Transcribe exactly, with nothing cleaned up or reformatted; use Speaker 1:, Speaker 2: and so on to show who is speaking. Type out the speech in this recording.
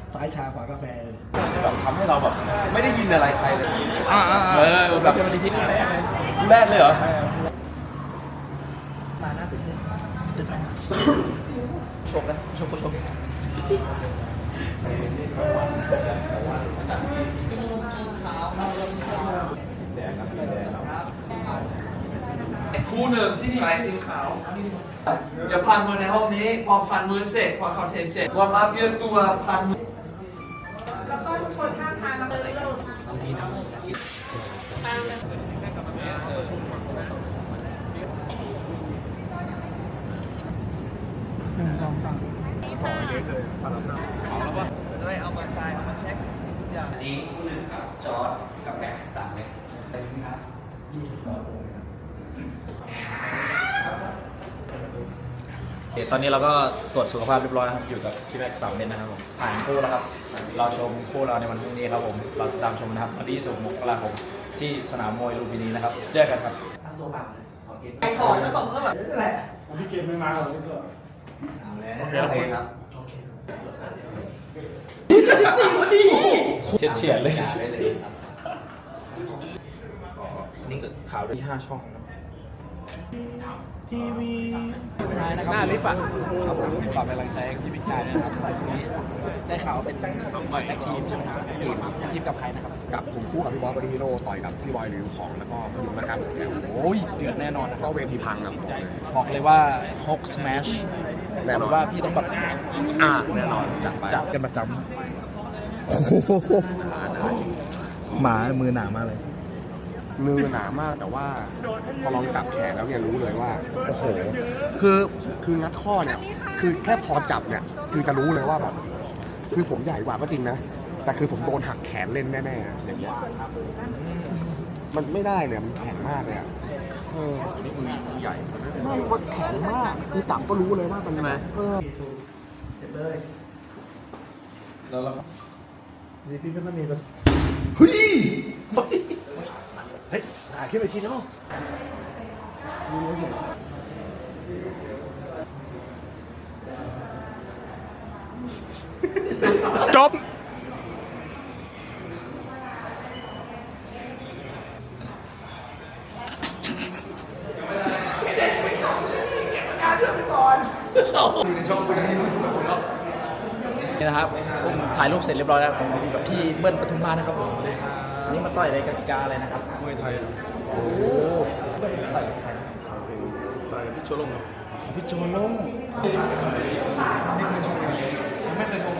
Speaker 1: ซ้ายชาขวากาแฟ
Speaker 2: แบบทำให้เราแบบไม่ได้ยินอะไรใครเลย
Speaker 1: อ่า
Speaker 2: เออแบบ
Speaker 1: เป็นวันที่แรกเลย
Speaker 2: แรกเลยเหรอ
Speaker 1: มาหน้าตื่นเต้นตื่นเต้นชกนะชกก็ชก
Speaker 3: คู่หนึ่งชายทีมขาวจะพันมือในห้องนี้พอพันมือเสร็จพอเขาเทปเสร็จวอร์มอัพยืดตัวพันมือ
Speaker 4: แล้วก็ทุกคนห้ามทานน้ำเลย
Speaker 1: หนึ่งสองสาม
Speaker 2: ขอเยอะเลยสำหรับเราเอาแล้วป่ะ
Speaker 3: จะได้เอามาทรายเอามาเช็คทุกอย่าง
Speaker 5: นี้คู่หนึ่งครับจอร์ดกับแม็กซ์สามเม็ดเป็นครับ
Speaker 6: ตอนนี้เราก็ตรวจสุขภาพเรียบร้อยนะครับอยู่กับพี่แม็กซ์สามเม็ดนะครับผมผ่านคู่แล้วครับเราชมคู่เราในวันพรุ่งนี้ครับผมเราตามชมนะครับวันที่ยี่สิบหกมกราคมที่สนามมวยลุมพินีนะครับเจอกันครับ
Speaker 3: ตั้งตัวบังเลยขอเกม
Speaker 4: ไอ้ขอแล้วตกก็แบบนั่นแหละ
Speaker 1: พี่เกมไม่มาหรอกก็
Speaker 3: เอาแล้ว
Speaker 2: โอเคโอเคครับ
Speaker 6: เฉียดเฉียดเลยนี่ข่าวที่ห้าช่องนะทีวีนายนะครับหน้าลิฟต์อ่ะครับผมฝากเป็นกำลังใจให้พี่บิ๊กนายนะครับวันนี้ได้ข่าวเป็นแท็กทีมใช่ไหมครับทีมทีมกับใครนะครับ
Speaker 2: กับผมคู่กับพี่บอสบอดี้ฮีโร่ต่อยกับพี่บอยหรือของแล้วก็พี่ยุ้งนะครับ
Speaker 6: โอ้ยเดือดแน่นอนนะค
Speaker 2: ก็
Speaker 6: รับ
Speaker 2: เวทีพังครับ
Speaker 6: บอกเลยว่าฮกสแมช
Speaker 2: แน่นอน
Speaker 6: ว่าพี่ต้องแบบ
Speaker 2: อ่าแน่นอนจัดไป
Speaker 6: จับกันประจำหมามือหนามากเลย
Speaker 2: มือหนามากแต่ว่าพอลองจับแขนแล้วเนี่ยรู้เลยว่าโอ้โหคือคืองัดข้อเนี่ยคือแค่พอจับเนี่ยคือจะรู้เลยว่าแบบคือผมใหญ่กว่าก็จริงนะแต่คือผมโดนหักแขนเล่นแน่ๆอย่างเงี้ยมันไม่ได้เนี่ยมันแข็งมากเลยอ่ะเออนี่มือใหญ่ไม่ว่าแข็งมากคือจับก็รู้เลยว่ามันเออ
Speaker 3: เสร็จเลย
Speaker 6: แล้วเรา
Speaker 1: นี่พี่ไม่ค่อยมีประสบ
Speaker 2: เฮ้ย
Speaker 1: เฮ้ยหาขึ้นไปทีแล้ว
Speaker 2: จบ
Speaker 3: ดูในช่องคุณนี่รู้ทุกคนแล้ว
Speaker 6: นี่นะครับผมถ่ายรูปเสร็จเรียบร้อยแล้วผมอยู่กับพี่เบิ้ลปทุมมานะครับผมนี่มาต่อยในกติกาอะไรนะครับ
Speaker 2: มวยไทย
Speaker 6: โอ้เบิ้ลต่อยกับใคร
Speaker 2: ต่อยที่โชว์ลงครับ
Speaker 6: พี่โจลง
Speaker 3: ไม่เคยชม